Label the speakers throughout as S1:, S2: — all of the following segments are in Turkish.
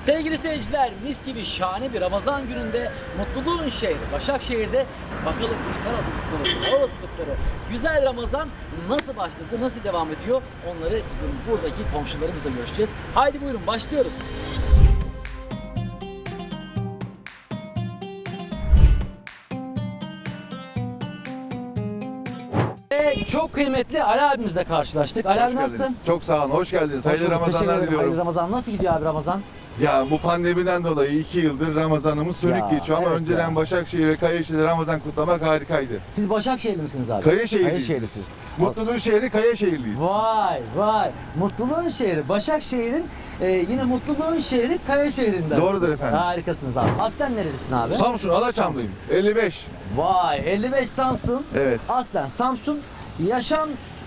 S1: Sevgili seyirciler, mis gibi şahane bir Ramazan gününde mutluluğun şehri Başakşehir'de bakalım iftar hazırlıkları, sahur hazırlıkları, güzel Ramazan nasıl başladı, nasıl devam ediyor onları bizim buradaki komşularımızla görüşeceğiz. Haydi buyurun başlıyoruz. Çok kıymetli Ali abimizle karşılaştık. Ali abi nasılsın?
S2: Çok sağ olun, hoş geldiniz. Hayırlı
S1: Teşekkür
S2: Ramazanlar
S1: ederim.
S2: diliyorum.
S1: Hayırlı Ramazan. Nasıl gidiyor abi Ramazan?
S2: Ya bu pandemiden dolayı 2 yıldır Ramazanımız sönük
S1: Ya,
S2: geçiyor ama
S1: evet
S2: önceden
S1: ya.
S2: Başakşehir ve Kayaşehir'de Ramazan kutlamak harikaydı.
S1: Siz Başakşehirli misiniz abi?
S2: Kayaşehirliyiz.
S1: Kayaşehirlisiniz.
S2: Mutluluğun şehri Kayaşehirliyiz.
S1: Vay vay. Mutluluğun şehri Başakşehir'in yine mutluluğun şehri Kayaşehir'inden.
S2: Doğrudur efendim.
S1: Harikasınız abi. Aslen nerelisin abi?
S2: Samsun Alaçamlıyım. 55.
S1: Vay 55 Samsun.
S2: Evet.
S1: Aslen Samsun yaşam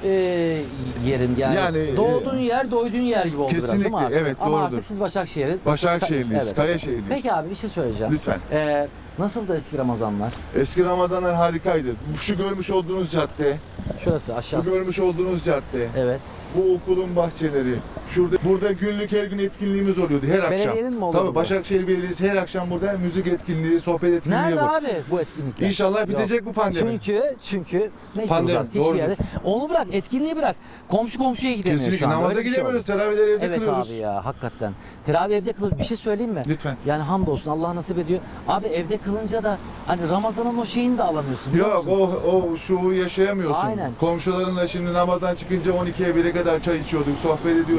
S1: yerin yani,
S2: Yani,
S1: doğduğun yer doyduğun yer gibi oldu biraz değil mi
S2: kesinlikle,
S1: artık?
S2: evet,
S1: Ama
S2: doğrudur.
S1: artık siz Başakşehir'in
S2: Başakşehirliyiz,
S1: Evet.
S2: Kayaşehirliyiz.
S1: Peki abi bir şey söyleyeceğim.
S2: Lütfen.
S1: Nasıldı eski Ramazanlar?
S2: Eski Ramazanlar harikaydı. Şu görmüş olduğunuz cadde,
S1: Şurası
S2: bu
S1: aşağısı.
S2: görmüş olduğunuz cadde,
S1: Evet.
S2: bu okulun bahçeleri, burada günlük her gün etkinliğimiz oluyordu her akşam.
S1: Belediyenin mi oluyordu
S2: Tabii
S1: bu?
S2: Başakşehir Belediyesi her akşam burada müzik etkinliği, sohbet etkinliği
S1: Nerede
S2: yapıyor.
S1: abi bu etkinlikler?
S2: İnşallah bitecek bu pandemi.
S1: Çünkü ne
S2: Pandemi,
S1: uzak hiçbir
S2: doğrudur.
S1: yerde. Onu bırak, etkinliği bırak. Komşu komşuya gidemiyor
S2: Kesinlikle
S1: şu anda.
S2: namaza
S1: Öyle bir şey
S2: gidemiyoruz,
S1: oldu.
S2: teravihleri evde
S1: Evet
S2: kılıyoruz.
S1: abi ya hakikaten. Teravih evde kılır. Bir şey söyleyeyim mi?
S2: Lütfen.
S1: Yani hamdolsun Allah nasip ediyor. Abi evde kılınca da hani Ramazan'ın o şeyini de alamıyorsun. biliyor
S2: Yok
S1: musun?
S2: o şuuru yaşayamıyorsun.
S1: Aynen.
S2: Komşularınla şimdi namazdan çıkınca 12'ye 1'e kadar çay içiyorduk, sohbet ediyorduk.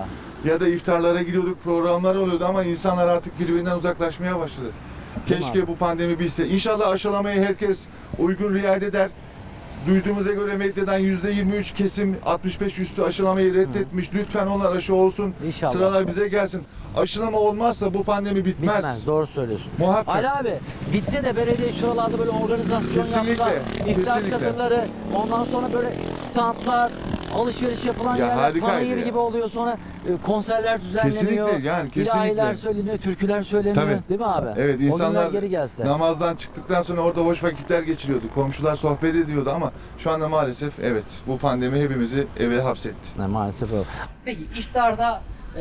S2: Ya da iftarlara gidiyorduk, programlar oluyordu ama insanlar artık birbirinden uzaklaşmaya başladı.
S1: Değil mi
S2: Keşke
S1: abi?
S2: bu pandemi bitse. İnşallah aşılamayı herkes uygun riayet eder. Duyduğumuza göre medyadan %23 kesim 65 üstü aşılamayı reddetmiş. Lütfen onlar aşı olsun.
S1: İnşallah.
S2: Sıralar bize gelsin. Aşılama olmazsa bu pandemi bitmez.
S1: Bitmez. Doğru söylüyorsun.
S2: Muhakkak.
S1: Ali abi bitse de belediye şuralarda böyle organizasyon
S2: Kesinlikle,
S1: yaptılar. İftar
S2: kesinlikle.
S1: çadırları, ondan sonra böyle standlar, alışveriş yapılan
S2: Ya
S1: yerler,
S2: harikaydı
S1: panayır
S2: ya.
S1: gibi oluyor. Sonra konserler düzenleniyor.
S2: Kesinlikle, yani kesinlikle.
S1: İlahiler söyleniyor, türküler söyleniyor.
S2: Tabii.
S1: Değil mi abi?
S2: Evet,
S1: O günler
S2: insanlar
S1: geri gelse.
S2: namazdan çıktıktan sonra orada hoş vakitler geçiriyordu. Komşular sohbet ediyordu ama şu anda maalesef evet bu pandemi hepimizi eve hapsetti.
S1: Ne, maalesef öyle. Peki iftarda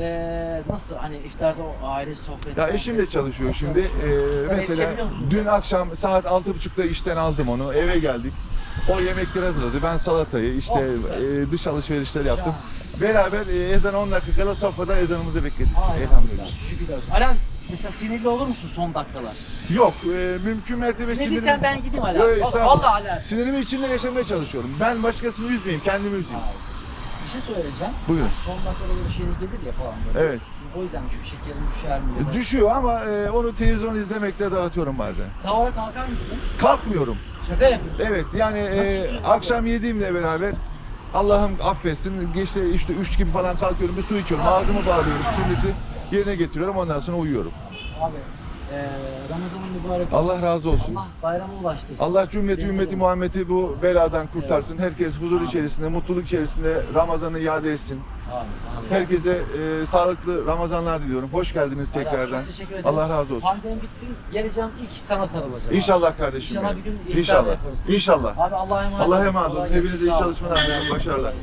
S1: nasıl hani iftarda o aile sohbeti?
S2: Ya eşim de çalışıyor şimdi. Mesela
S1: yetişebiliyor musun?
S2: dün akşam saat 6.30'da işten aldım onu. Eve geldik. O yemekleri hazırladı. Ben salatayı işte dış alışverişler yaptım. Beraber ezan 10 dakika kala sofrada ezanımızı bekledik. Elhamdülillah.
S1: Şükürler olsun. Ali abi mesela sinirli olur musun son dakikalar?
S2: Yok, mümkün mertebe
S1: Sinirliysen ben gideyim Ali
S2: Yok,
S1: abi.
S2: estağfurullah.
S1: Vallahi Ali abi.
S2: Sinirimi içimde yaşamaya çalışıyorum. Ben başkasını üzmeyeyim, kendimi üzeyim.
S1: Bir şey söyleyeceğim.
S2: Buyurun.
S1: Son dakikada böyle şeyler gelir ya falan böyle.
S2: Evet.
S1: Sizin o yüzden şu şekerin düşer mi? Ya da...
S2: Düşüyor ama onu televizyon izlemekle dağıtıyorum bazen.
S1: Sahura kalkar mısın?
S2: Kalkmıyorum.
S1: Şaka yapıyorsun.
S2: Evet yani
S1: tutuyorsun
S2: akşam yediğimle beraber Allah'ım affetsin. İşte 3 gibi falan kalkıyorum, bir su içiyorum, ağzımı bağlıyorum, sünneti yerine getiriyorum, ondan sonra uyuyorum.
S1: Abi Ramazan'ın mübarek.
S2: Allah razı olsun.
S1: Allah bayrama ulaştırsın.
S2: Allah cümleti
S1: Senin
S2: ümmeti
S1: olsun.
S2: Muhammed'i bu beladan kurtarsın. Herkes huzur içerisinde, mutluluk içerisinde Ramazan'ı iade etsin.
S1: Amin, amin.
S2: Herkese sağlıklı Ramazanlar diliyorum. Hoş geldiniz
S1: Ali abi,
S2: tekrardan.
S1: çok teşekkür ederim.
S2: Allah razı olsun.
S1: Pandemi bitsin geleceğim ilk sana sarılacağım.
S2: İnşallah kardeşim.
S1: İnşallah
S2: benim.
S1: bir gün iftar
S2: İnşallah.
S1: yaparız.
S2: İnşallah.
S1: Abi Allah'a emanet
S2: Allah'a
S1: olun.
S2: emanet olun.
S1: Kolay gelsin,
S2: Hepinize iyi
S1: sağ olun.
S2: çalışmalar diliyorum. Başarılar.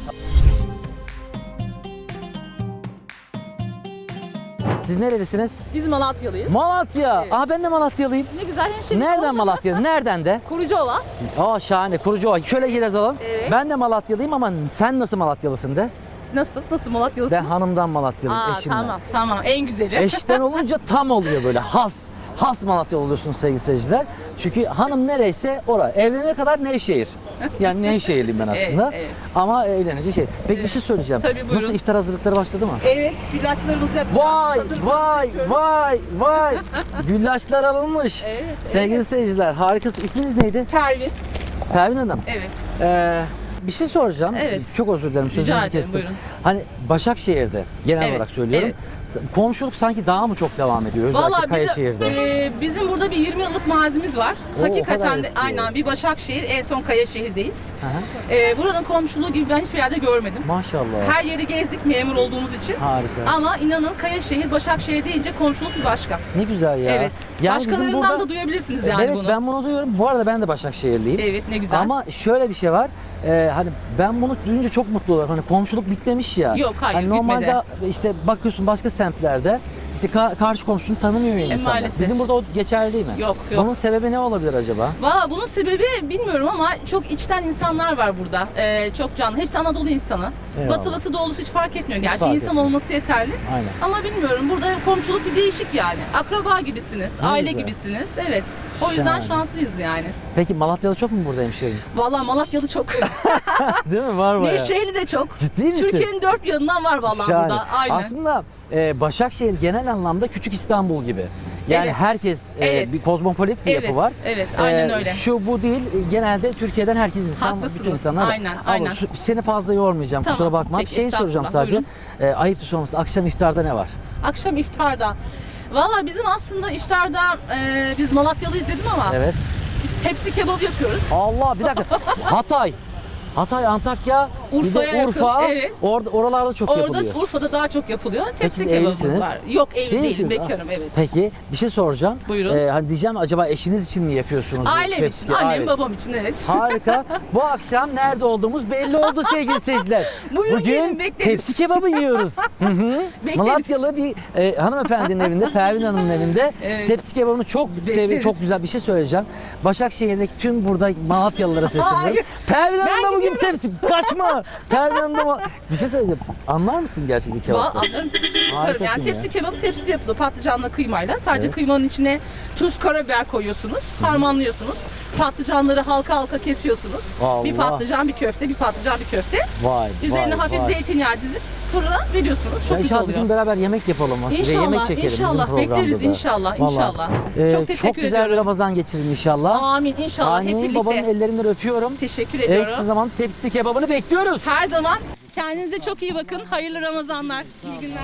S1: Siz nerelisiniz?
S3: Biz Malatyalıyız.
S1: Malatya.
S3: Evet.
S1: Aa ben de Malatyalıyım.
S3: Ne güzel hemşehrim.
S1: Nereden Malatya? Nereden de?
S3: Kurucuoğlan.
S1: Aa şahane. Kurucuova. Şöyle girez alalım.
S3: Evet.
S1: Ben de Malatyalıyım ama sen nasıl Malatyalısın de?
S3: Nasıl? Nasıl Malatyalısınız?
S1: Ben hanımdan Malatyalıyım,
S3: Aa,
S1: eşimden.
S3: tamam. En güzeli.
S1: Eşten olunca tam oluyor böyle has Malatyalı oluyorsunuz sevgili seyirciler. Çünkü hanım nereyse ora. Evlenene kadar Nevşehir. Yani Nevşehirliyim ben aslında.
S3: Evet.
S1: Ama evlenince şey. Peki bir şey söyleyeceğim.
S3: Tabii, buyurun.
S1: Nasıl iftar hazırlıkları başladı mı?
S3: Evet, ilaçlarımızı yapacağız.
S1: Vay
S3: Hazırlıklarımızı yapıyoruz.
S1: vay. Güllaçlar alınmış.
S3: Evet,
S1: Sevgili seyirciler harikasın. İsminiz neydi?
S3: Pervin.
S1: Pervin Hanım.
S3: Evet.
S1: Bir şey soracağım.
S3: Evet.
S1: Çok özür dilerim. Sözünüzü
S3: ederim,
S1: kestim.
S3: buyurun.
S1: Hani Başakşehir'de genel
S3: Evet,
S1: olarak söylüyorum.
S3: evet.
S1: Komşuluk sanki daha mı çok devam ediyor? Özellikle
S3: Vallahi
S1: Kayaşehir'de.
S3: bizim burada bir 20 yıllık mazimiz var.
S1: Oo, o kadar
S3: Hakikaten de
S1: eski.
S3: aynen bir Başakşehir, en son Kayaşehir'deyiz.
S1: Hı hı.
S3: Buranın komşuluğu gibi ben hiçbir yerde görmedim.
S1: Maşallah.
S3: Her yeri gezdik memur olduğumuz için.
S1: Harika.
S3: Ama inanın Kayaşehir, Başakşehir deyince komşuluk bir başka.
S1: Ne güzel ya.
S3: Evet.
S1: Yani bizim
S3: Başkalarından
S1: burada-
S3: da duyabilirsiniz yani
S1: evet
S3: bunu.
S1: ben bunu duyuyorum. Bu arada ben de Başakşehirliyim.
S3: Evet, ne güzel.
S1: Ama şöyle bir şey var. Hani ben bunu duyunca çok mutlu oluyorum. Hani komşuluk bitmemiş ya.
S3: Yok, hayır,
S1: hani normalde
S3: bitmedi.
S1: işte bakıyorsun başka semtlerde İşte karşı komşunu tanımıyor ya insanlar.
S3: Maalesef.
S1: Bizim burada o geçerli değil mi?
S3: Yok, yok.
S1: Bunun sebebi ne olabilir acaba?
S3: Valla bunun sebebi bilmiyorum ama çok içten insanlar var burada. Çok canlı. Hepsi Anadolu insanı.
S1: Eyvallah.
S3: Batılısı doğulusu hiç fark etmiyor. Gerçi
S1: Fark
S3: insan
S1: etmiyor.
S3: olması yeterli.
S1: Aynen.
S3: Ama bilmiyorum burada komşuluk bir değişik yani. Akraba gibisiniz,
S1: Ne
S3: aile
S1: güzel.
S3: gibisiniz. Evet. O yüzden
S1: Şahane.
S3: şanslıyız yani.
S1: Peki Malatyalı çok mu burada hemşehriniz?
S3: Valla Malatyalı çok.
S1: Değil mi? Var bayağı.
S3: Nevşehirli de çok.
S1: Ciddi misin?
S3: Türkiye'nin dört bir yanından var vallahi
S1: Şahane.
S3: burada. Aynen.
S1: Aslında Başakşehir genel anlamda küçük İstanbul gibi. Yani
S3: Evet.
S1: herkes
S3: Evet.
S1: bir kozmopolit bir
S3: Evet,
S1: yapı var.
S3: evet, aynen öyle.
S1: Şu bu değil. Genelde Türkiye'den herkes insan,
S3: Haklısınız,
S1: bütün insanlar. var.
S3: aynen,
S1: Ama
S3: aynen.
S1: seni fazla yormayacağım.
S3: Tamam,
S1: Kusura bakma.
S3: peki,
S1: Şeyi soracağım
S3: estağfurullah,
S1: sadece. Ayıptır sorması. Akşam iftarda ne var?
S3: Akşam iftarda. Valla bizim aslında iftarda biz Malatyalıyız dedim ama
S1: Evet.
S3: biz tepsi kebabı yapıyoruz.
S1: Allah bir dakika. Hatay, Antakya,
S3: Urfa'ya
S1: bir de Urfa.
S3: yakın, evet.
S1: Oralarda çok
S3: Orada
S1: yapılıyor.
S3: Urfa'da daha çok yapılıyor. Tepsi
S1: siz
S3: kebabımız
S1: evlisiniz?
S3: var. Yok evli değilim,
S1: Değilsiniz.
S3: bekarım evet.
S1: Peki bir şey soracağım.
S3: Buyurun.
S1: Hani diyeceğim acaba eşiniz için mi yapıyorsunuz? bu
S3: Ailem
S1: tepsi-
S3: için, annem
S1: Aile-
S3: babam için evet.
S1: Harika. Bu akşam nerede olduğumuz belli oldu sevgili seyirciler.
S3: Buyurun gelin,
S1: Bugün
S3: bekleriz.
S1: tepsi kebabı yiyoruz. Hı hı.
S3: Bekleriz.
S1: Malatyalı bir hanımefendinin evinde, Pervin Hanım'ın evinde
S3: Evet.
S1: tepsi kebabını çok seviyorum.
S3: Bekleriz.
S1: Çok güzel bir şey söyleyeceğim. Başakşehir'deki tüm burada Malatyalılara sesleniyorum.
S3: Hayır.
S1: Pervin Hanım da bugün
S3: gidiyorum.
S1: tepsi. Kaçma. Pervin Hanım da bir şey söyleyeceğim. Anlar mısın gerçekten kebapta?
S3: Anlarım yaparım.
S1: Harikasın
S3: Yani
S1: ya.
S3: tepsi kebabı tepside yapılıyor. Patlıcanla kıymayla. Sadece
S1: Evet.
S3: kıymanın içine tuz, karabiber koyuyorsunuz. Harmanlıyorsunuz. Patlıcanları halka halka kesiyorsunuz.
S1: Allah.
S3: Bir patlıcan bir köfte, bir patlıcan bir köfte.
S1: Vay.
S3: Üzerine
S1: vay,
S3: hafif
S1: vay.
S3: zeytinyağı dizip fırına veriyorsunuz. Çok
S1: Ya
S3: güzel
S1: inşallah bir
S3: oluyor.
S1: gün beraber yemek yapalım. Ve yemek
S3: İnşallah,
S1: çekelim bizim
S3: inşallah.
S1: programda
S3: Bekleriz
S1: da.
S3: inşallah,
S1: Vallahi.
S3: inşallah. Çok teşekkür
S1: Çok güzel bir
S3: ediyorum.
S1: Ramazan geçirin inşallah.
S3: Amin inşallah hep
S1: Annenin
S3: birlikte.
S1: babanın ellerinden öpüyorum.
S3: Teşekkür
S1: En
S3: ediyorum.
S1: kısa zaman tepsi kebabını bekliyoruz.
S3: Her zaman kendinize çok iyi bakın. Hayırlı Ramazanlar. İyi günler.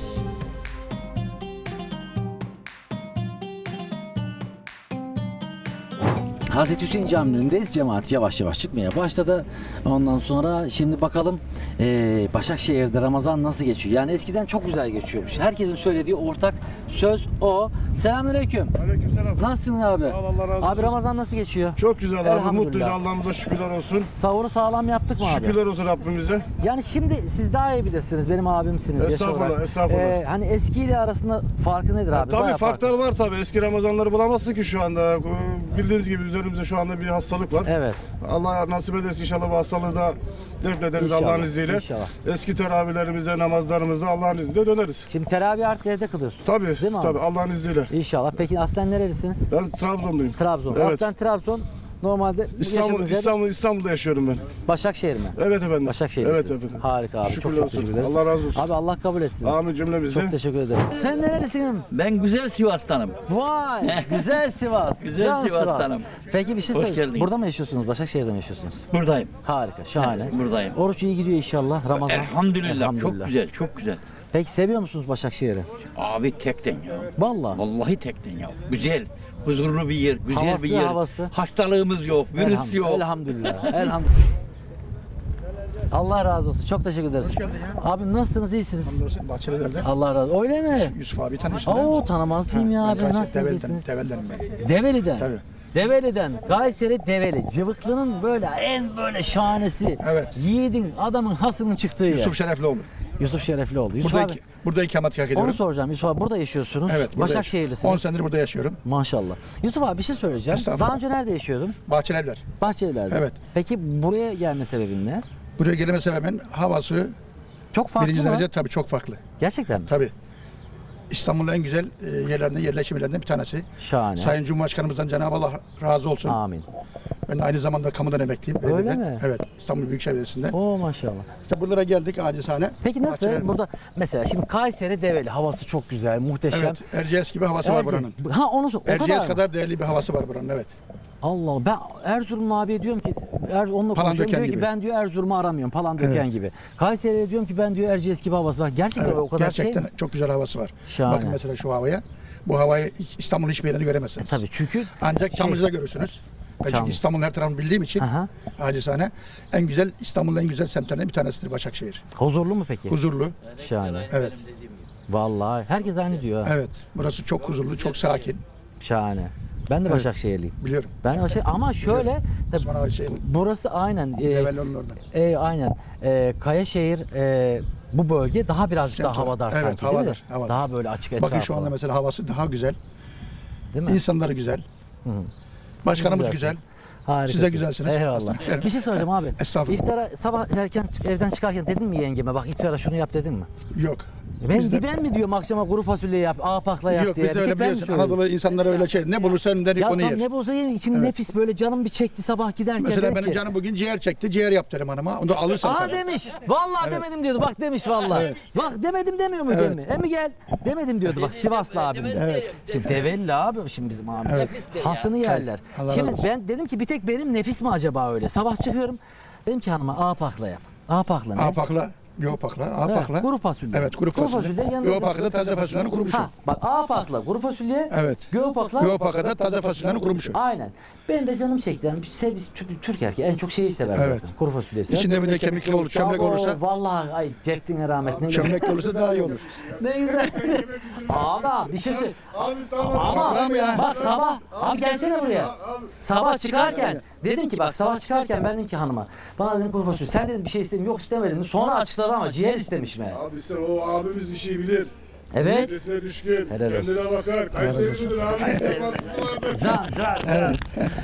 S1: Hazreti Hüseyin Camii'nin önündeyiz. Cemaat yavaş yavaş çıkmaya başladı. Ondan sonra şimdi bakalım Başakşehir'de Ramazan nasıl geçiyor? Yani eskiden çok güzel geçiyormuş. Herkesin söylediği ortak söz o. Selamünaleyküm.
S4: Aleykümselam.
S1: Nasılsın abi?
S4: Sağ ol, Allah razı
S1: Abi
S4: olsun.
S1: Ramazan nasıl geçiyor?
S4: Çok güzel abi.
S1: Elhamdülillah.
S4: Mutluyuz. Allah'ımıza şükürler olsun.
S1: Sahuru sağlam yaptık mı abi?
S4: Şükürler olsun Rabbimize.
S1: Yani şimdi siz daha iyi bilirsiniz. Benim abimsiniz. yaş
S4: Estağfurullah,
S1: olarak.
S4: estağfurullah.
S1: Hani eskiyle arasında farkı nedir abi?
S4: Tabii
S1: Bayağı
S4: farklar var tabii. Eski Ramazanları bulamazsın ki şu anda. Bildiğiniz gibi üzerimizde şu anda bir hastalık var.
S1: Evet.
S4: Allah nasip ederse inşallah bu hastalığı da defnederiz
S1: İnşallah,
S4: Allah'ın izniyle.
S1: inşallah.
S4: Eski teravihlerimize, namazlarımıza Allah'ın izniyle döneriz.
S1: Şimdi teravih artık evde kılıyorsun.
S4: Tabii,
S1: Değil mi abi?
S4: tabii Allah'ın izniyle.
S1: İnşallah. Peki aslen nerelisiniz?
S4: Ben Trabzonluyum.
S1: Trabzon.
S4: Evet.
S1: Aslen Trabzon. Normalde bu yaşadığınız yer
S4: İstanbul'da yaşıyorum ben.
S1: Başakşehir mi?
S4: Evet efendim.
S1: Başakşehir'lisiniz.
S4: Evet efendim.
S1: Harika abi.
S4: Şükürler
S1: çok
S4: olsun.
S1: teşekkür ederiz.
S4: Allah razı olsun.
S1: Abi Allah kabul etsin.
S4: Amin cümlemizi.
S1: Çok teşekkür ederim. Sen nerelisin?
S5: Ben güzel Sivas'tanım.
S1: Vay, güzel Sivas.
S5: Güzel
S1: Can
S5: Sivas'tanım.
S1: Peki bir şey
S5: Hoş
S1: söyle.
S5: geldiniz.
S1: Burada mı yaşıyorsunuz? Başakşehir'de mi yaşıyorsunuz?
S5: Buradayım.
S1: Harika, şahane.
S5: Evet, buradayım.
S1: Oruç iyi gidiyor inşallah. Ramazan.
S5: Elhamdülillah, çok güzel, çok güzel.
S1: Peki seviyor musunuz Başakşehir'i?
S5: Abi tekten ya.
S1: Vallahi.
S5: Vallahi tekten ya. Güzel, huzurlu bir yer, güzel
S1: Havası,
S5: bir yer.
S1: havası.
S5: Hastalığımız yok, virüs yok.
S1: Elhamdülillah. Elhamdülillah. Allah razı olsun. Çok teşekkür ederiz.
S6: Hoş geldin ya.
S1: Abi nasılsınız? İyisiniz?
S6: Bahçeliler'de.
S1: Allah razı olsun. Öyle mi?
S6: Yusuf abi tanıyorsun.
S1: Oo tanımaz mıyım ya abi?
S6: Ben
S1: Nasılsınız?
S6: Develi'den,
S1: İyisiniz?
S6: Develi'denim ben.
S1: Develi'den.
S6: Tabii.
S1: Develi'den. Kayseri Develi. Cıvıklı'nın böyle en böyle şahanesi.
S6: Evet.
S1: Yiğidin, adamın hasının çıktığı yer.
S6: Yusuf Şereflioğlu.
S1: Yusuf Şereflioğlu. Yusuf
S6: Burada,
S1: abi.
S6: burada ikametgah ediyorum.
S1: Onu soracağım. Yusuf abi burada yaşıyorsunuz.
S6: Evet. Burada
S1: Başakşehirlisiniz.
S6: 10 senedir burada yaşıyorum.
S1: Maşallah. Yusuf abi bir şey söyleyeceğim.
S6: Estağfurullah.
S1: Daha önce nerede yaşıyordun?
S6: Bahçelievler.
S1: Bahçeliler'de.
S6: Evet.
S1: Peki buraya gelme sebebin ne?
S6: Buraya gelme sebebim havası
S1: Çok farklı
S6: birinci
S1: mı?
S6: derece tabii çok farklı.
S1: Gerçekten mi?
S6: Tabii. İstanbul'un en güzel yerlerinden, yerleşim yerlerinden bir tanesi.
S1: Şahane.
S6: Sayın Cumhurbaşkanımızdan Cenab-ı Allah razı olsun.
S1: Amin.
S6: Ben de aynı zamanda kamudan emekliyim.
S1: Öyle
S6: Belediye'den.
S1: mi?
S6: Evet. İstanbul Büyükşehir Belediyesi'nde.
S1: Oo maşallah.
S6: İşte buralara geldik acizane.
S1: Peki nasıl?
S6: Bahçelievler.
S1: Burada mesela şimdi Kayseri Develi havası çok güzel, muhteşem.
S6: Evet. Erciyes gibi havası var buranın.
S1: Ha onu o
S6: Erciyes
S1: kadar.
S6: kadar değerli bir havası var buranın, evet.
S1: Allah Allah. Ben Erzurumlu abiye diyorum ki onunla
S6: Palandöken
S1: konuşuyorum diyor ki
S6: gibi.
S1: ben diyor Erzurum'u aramıyorum. Palandöken gibi. Kayseri'ye diyorum ki ben diyor Erciyes gibi havası var. Gerçekten
S6: Evet,
S1: o kadar
S6: gerçekten
S1: şey mi?
S6: çok güzel havası var.
S1: Şahane.
S6: Bakın mesela şu havaya. Bu havayı İstanbul'un hiçbir yerinde göremezsiniz.
S1: Tabii çünkü
S6: Ancak Çamlıca'da görürsünüz. Ben
S1: Çamlıca.
S6: çünkü İstanbul'un her tarafını bildiğim için
S1: Aha.
S6: acizane en güzel İstanbul'un en güzel semtlerinden bir tanesidir Başakşehir.
S1: huzurlu mu peki?
S6: Huzurlu.
S1: Şahane.
S6: Evet.
S1: Vallahi herkes aynı diyor. ha.
S6: Evet. Burası çok huzurlu, çok sakin.
S1: Şahane. Ben de
S6: Evet.
S1: Başakşehirliyim.
S6: Biliyorum.
S1: Ben de Başakşehir ama şöyle tabii
S6: Osman Ağa'nın şeyin,
S1: burası aynen
S6: Develi'nin oradan.
S1: aynen Kayaşehir bu bölge daha birazcık daha
S6: Sentral.
S1: havadar
S6: Evet,
S1: sanki değil mi?
S6: havadar, havadar.
S1: Daha böyle açık etrafı.
S6: Bakın şu anda mesela havası daha güzel.
S1: değil mi?
S6: İnsanları güzel. Başkanımız güzel.
S1: Güzelsiniz. Harikasınız.
S6: Siz de güzelsiniz.
S1: Eyvallah.
S6: Aslanım.
S1: Bir şey soracağım abi.
S6: Estağfurullah.
S1: İftara sabah erken evden çıkarken dedin mi yengeme bak iftara şunu yap dedin mi?
S6: Yok.
S1: Ben mi diyorum akşama kuru fasulye yap, ağpakla yap
S6: Yok
S1: diye.
S6: biz de
S1: Bir
S6: öyle
S1: tek ben mi
S6: biliyorsun.
S1: söylüyorum?
S6: Anadolu insanları öyle şey. Ne bulursa önünden ilk
S1: Ya
S6: onu
S1: tam
S6: yer.
S1: ne bulsa yiyeyim. İçim nefis böyle canım bir çekti sabah giderken.
S6: Mesela
S1: dedim
S6: benim
S1: ki,
S6: canım bugün ciğer çekti. Ciğer yap derim hanıma. Onu da alırsan
S1: Aa
S6: tabii.
S1: demiş. Vallahi demedim diyordu. Bak demiş vallahi. Bak demedim demiyor mu
S6: Evet.
S1: Cemil? Emi gel. Demedim diyordu. Bak Sivaslı abim de.
S6: Evet.
S1: Şimdi Tevelli abi şimdi bizim abi.
S6: Evet.
S1: Hasını yerler.
S6: Allah
S1: Şimdi
S6: razı olsun.
S1: ben dedim ki bir tek benim nefis mi acaba öyle? Sabah çıkıyorum. Dedim ki hanıma ağpakla yap. Ağpakla ne?
S6: Apakla, göğopakla, apakla.
S1: kuru fasulye.
S6: Evet, kuru fasulye.
S1: yanında-
S6: Göğopakla taze fasulyenin kurumuşu.
S1: Ha, bak ağpakla kuru fasulye.
S6: Evet.
S1: Göğopakla.
S6: Göğopakla da taze fasulyenin kurumuşu.
S1: Aynen. Ben de canım çekti. Yani biz Türk erkeği en çok şeyi sever
S6: Evet.
S1: zaten. Kuru fasulyeyi sever.
S6: İçinde bir de kemikli olur, çömlek
S1: Abo,
S6: olursa.
S1: Vallahi ay Ceddin'e rahmet ne güzel.
S6: Çömlek olursa daha iyi olur.
S1: Ne güzel. Ama bir şey söyle.
S4: Abi tamam.
S1: Ama
S6: Tamam ya.
S1: bak sabah abi gelsene buraya. Sabah çıkarken dedim ki bak sabah çıkarken ben dedim ki hanıma bana dedim kuru fasulye sen dedim bir şey istedim yok istemedim. Sonra açıkladı ama ciğer istemiş mi?
S4: Abi sen o abimiz işi bilir.
S1: Evet.
S4: Midesine düşkün.
S1: Helal olsun.
S4: Kendine bakar. Kayseri'lidir abi. Sıkıntısı vardır.
S1: Can.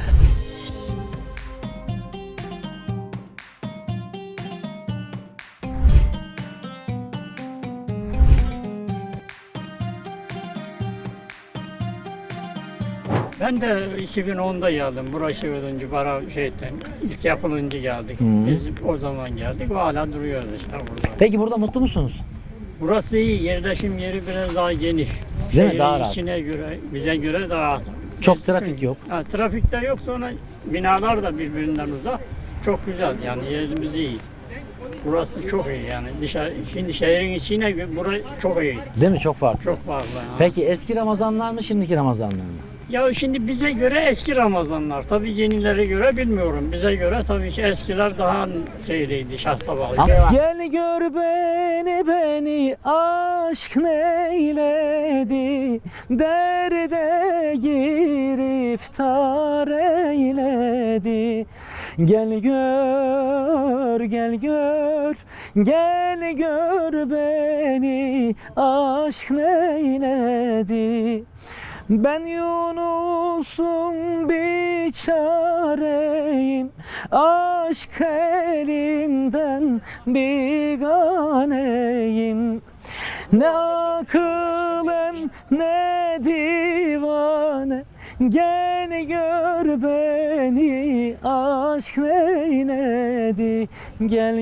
S7: Ben de 2010'da geldim. Burası ölünce, bara şeyden, ilk yapılınca geldik. Biz o zaman geldik. Hala duruyoruz işte burada.
S1: Peki burada mutlu musunuz?
S7: Burası iyi. Yerleşim yeri biraz daha geniş.
S1: Değil mi?
S7: Şehrin
S1: Daha rahat.
S7: içine göre, bize göre daha rahat.
S1: Çok
S7: Biz-
S1: trafik yok.
S7: Ha, trafik de yok. Sonra binalar da birbirinden uzak. Çok güzel. Yani yerimiz iyi. Burası çok iyi yani. Şimdi şehrin içine göre burası çok iyi.
S1: Değil mi? Çok farklı.
S7: Çok fazla. Yani.
S1: Peki eski Ramazanlar mı şimdiki Ramazanlar mı?
S7: Ya şimdi bize göre eski Ramazanlar. Tabii yenilere göre bilmiyorum. Bize göre tabii ki eskiler daha şeyliydi, şahtabalı.
S1: Gel gör beni aşk neyledi, derde giriftar eyledi. Gel gör beni aşk neyledi. Ben Yunus'um biçareyim, aşk elinden biganeyim. Ne akılım ne divane, gel gör beni aşk neyledi. Gel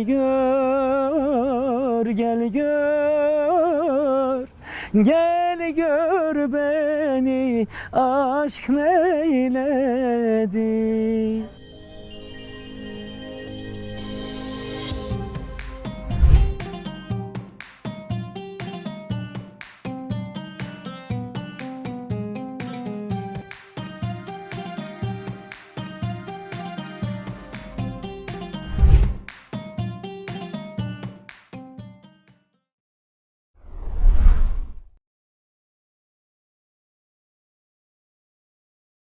S1: gör beni aşk neyledi.